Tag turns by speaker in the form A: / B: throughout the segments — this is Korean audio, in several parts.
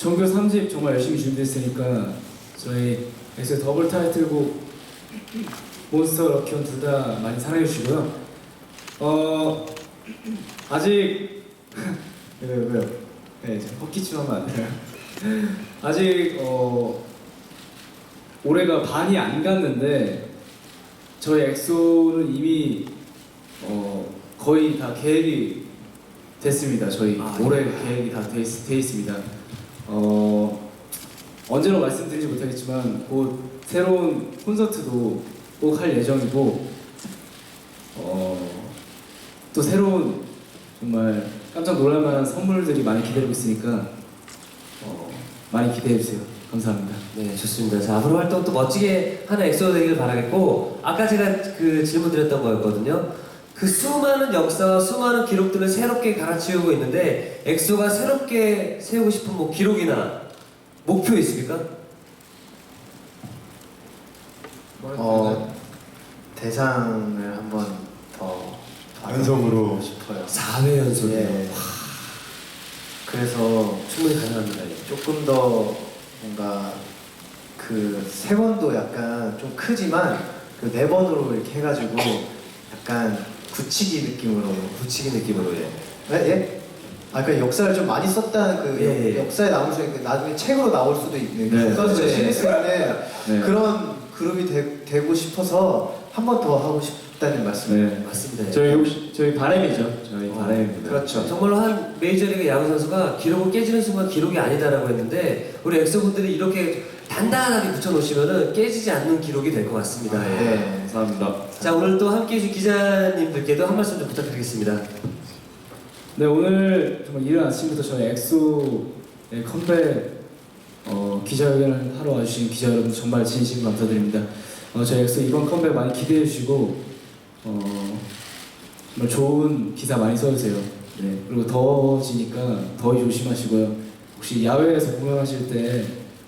A: 정규 3집 정말 열심히 준비했으니까 저희 엑소의 더블 타이틀곡 몬스터 럭키온 둘 다 많이 사랑해 주시고요. 아직 왜요? 네, 헛기침 하면 안 돼요. 아직 올해가 반이 안 갔는데 저희 엑소는 이미 거의 다 계획이 됐습니다. 저희 올해 계획이 다 돼 있습니다. 언제로 말씀드리지 못하겠지만 곧 새로운 콘서트도 꼭 할 예정이고 또 새로운 정말 깜짝 놀랄만한 선물들이 많이 기다리고 있으니까 많이 기대해주세요. 감사합니다.
B: 네, 좋습니다. 자, 앞으로 활동 또 멋지게 하는 엑소 되길 바라겠고, 아까 제가 그 질문 드렸던 거였거든요. 그 수많은 역사와 수많은 기록들을 새롭게 갈아치우고 있는데, 엑소가 새롭게 세우고 싶은 뭐 기록이나 목표 있습니까?
C: 대상을 한번 더
D: 연속으로
C: 싶어요.
B: 4회 연속이요.
C: 예. 그래서
B: 충분히 가능합니다.
C: 조금 더 뭔가 그 세 번도 약간 좀 크지만 그 네 번으로 이렇게 해가지고 약간 굳히기 느낌으로.
B: 붙이기 느낌으로, 예.
C: 예? 아, 그 역사를 좀 많이 썼다는 그
B: 예.
C: 역사에 남을 수 있는 나중에 책으로 나올 수도 있는
A: 네.
C: 써서
B: 네.
C: 시리즈인데
A: 네.
C: 그런 그룹이 되고 싶어서 한 번 더 하고 싶다는 말씀을.
A: 네.
B: 맞습니다.
A: 저희 바람이죠. 저희 바람입니다.
C: 그렇죠.
B: 정말로 한 메이저리그 야구 선수가 기록을 깨지는 순간 기록이 아니다라고 했는데, 우리 엑소 분들이 이렇게 단단하게 붙여놓으시면은 깨지지 않는 기록이 될 것 같습니다. 예.
C: 네.
A: 감사합니다.
B: 자, 오늘 또 함께 해주신 기자님들께도 한 말씀 좀 부탁드리겠습니다.
A: 네, 오늘 정말 이른 아침부터 저희 엑소의 컴백 기자회견을 하러 와주신 기자 여러분 정말 진심 감사드립니다. 저희 엑소 이번 컴백 많이 기대해 주시고 정말 좋은 기사 많이 써주세요. 네, 그리고 더워지니까 더위 조심하시고요. 혹시 야외에서 공연하실 때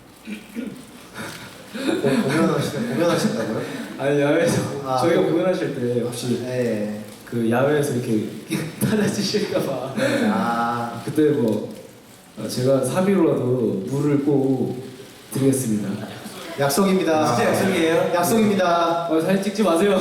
C: 공연하신다고요?
A: 아니 야외에서 저희가
C: 그-
A: 공연하실 때 혹시
C: 네.
A: 그 야외에서 이렇게 타다치실까봐 그때 뭐 제가 사비로라도 물을 꼭 드리겠습니다.
C: 약속입니다.
B: 진짜 약속이에요?
C: 약속입니다.
A: 사진 찍지 마세요.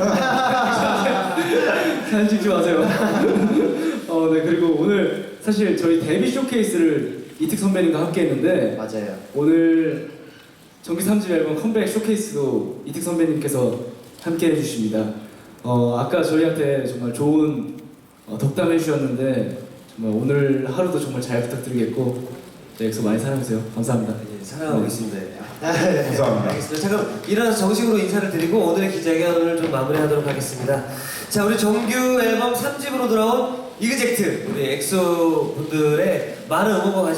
A: 사진 찍지 마세요. 네, 그리고 오늘 사실 저희 데뷔 쇼케이스를 이특 선배님과 함께 했는데
C: 맞아요.
A: 오늘 정규 3집 앨범 컴백 쇼케이스도 이특 선배님께서 함께 해주십니다. 아까 저희한테 정말 좋은 덕담 해주셨는데 정말 오늘 하루도 정말 잘 부탁드리겠고 네, 엑소 많이 사랑해주세요. 감사합니다.
B: 예, 사랑하고 있습니다.
D: 감사합니다.
B: 알겠습니다. 자, 그럼 일어나서 정식으로 인사를 드리고 오늘의 기자회견을 좀 마무리하도록 하겠습니다. 자, 우리 정규 앨범 3집으로 돌아온 이그젝트, 우리 엑소 분들의 많은 응원과 관심